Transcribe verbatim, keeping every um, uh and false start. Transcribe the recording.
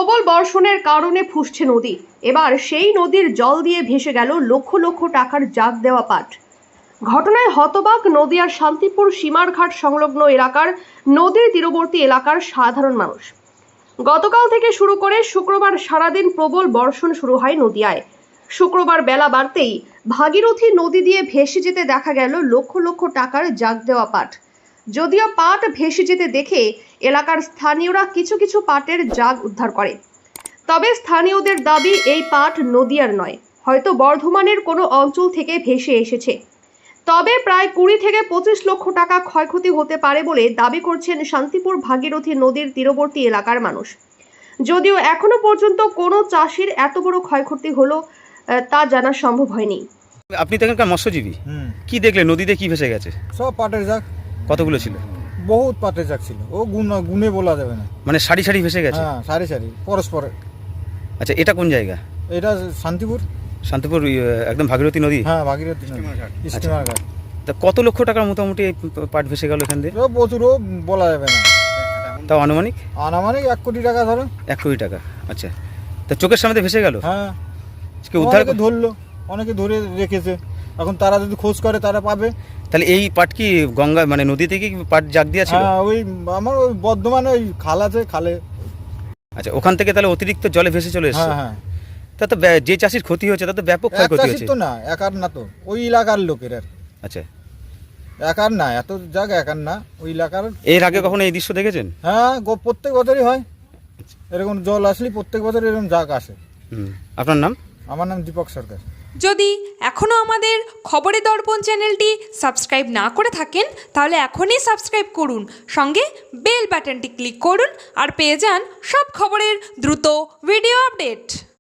প্রবল বর্ষণের কারণে ফুসছে নদী। এবার সেই নদীর জল দিয়ে ভেসে গেল লক্ষ লক্ষ টাকার জাগ দেওয়া পাট। ঘটনায় হতবাক নদিয়ার শান্তিপুর সীমারঘাট সংলগ্ন এলাকার নদীর তীরবর্তী এলাকার সাধারণ মানুষ। গতকাল থেকে শুরু করে শুক্রবার সারাদিন প্রবল বর্ষণ শুরু হয় নদিয়ায়। শুক্রবার বেলা বাড়তেই ভাগীরথী নদী দিয়ে ভেসে যেতে দেখা গেল লক্ষ লক্ষ টাকার জাগ দেওয়া পাট। যদিও পাট ভেসে যেতে দেখে এলাকার স্থানীয়রা কিছু কিছু পাটের জাগ উদ্ধার করে, তবে স্থানীয়দের দাবি এই পাট নদিয়ার নয়, হয়তো বর্ধমানের কোনো অঞ্চল থেকে ভেসে এসেছে। তবে প্রায় কুড়ি থেকে পঁচিশ লক্ষ টাকা ক্ষয়ক্ষতি হতে পারে বলে দাবি করছেন শান্তিপুর ভাগীরথী নদীর তীরবর্তী এলাকার মানুষ। যদিও এখনো পর্যন্ত কোনো চাষির এত বড় ক্ষয়ক্ষতি হলো তা জানা সম্ভব হয়নি। আপনি তো এখানকার মৎস্যজীবী, কি দেখলেন? নদীতে কি ভেসে গেছে? সব পাটের জাগ। কতগুলো ছিল? বহুত পাটের জাগ ছিল, ও গুণ গুণে বলা যাবে না। মানে সারি সারি ভেসে গেছে? হ্যাঁ, সারি সারি পরস্পর। আচ্ছা, এটা কোন জায়গা? এটা শান্তিপুর। শান্তিপুর একদম ভাগীরথী নদী? হ্যাঁ, ভাগীরথী স্টিমার ঘাট। তা কত লক্ষ টাকার মোটামুটি এই পাট ভেসে গেল এখান দিয়ে? প্রচুরও বলা যাবে না। তাও আনুমানিক? আনুমানিক এক কোটি টাকা ধরো। এক কোটি টাকা। আচ্ছা, তা চোখের সামনে ভেসে গেল? হ্যাঁ, উদ্ধার ধরলো, অনেকে ধরে রেখেছে। এখন তারা যদি খোঁজ করে তারা পাবে। তাহলে এই পাট কি গঙ্গা মানে নদী থেকে কি পাট জাগ দিয়া ছিল? হ্যাঁ, ওই আমার ওই বর্ধমানে ওই খাল আছে, খালে। আচ্ছা, ওখান থেকে তাহলে অতিরিক্ত জলে ভেসে চলে এসেছে? হ্যাঁ হ্যাঁ। তা তো যে চাষির ক্ষতি হয়েছে তা তো ব্যাপক ক্ষয়ক্ষতি হয়েছে। তো না, একার না তো, ওই এলাকার লোকের আর। আচ্ছা, একার না, এত জায়গা একার না, ওই এলাকার। এর আগে কখনো এই দৃশ্য দেখেছেন? হ্যাঁ, প্রত্যেক বছরই হয় এরকম জল আসলে, প্রত্যেক বছর এরকম জাগ আসে। হুম, আপনার নাম? আমার নাম দীপক সরকার। যদি এখনও আমাদের খবরের দর্পণ চ্যানেলটি সাবস্ক্রাইব না করে থাকেন তাহলে এখনই সাবস্ক্রাইব করুন, সঙ্গে বেল বাটনটি ক্লিক করুন আর পেয়ে যান সব খবরের দ্রুত ভিডিও আপডেট।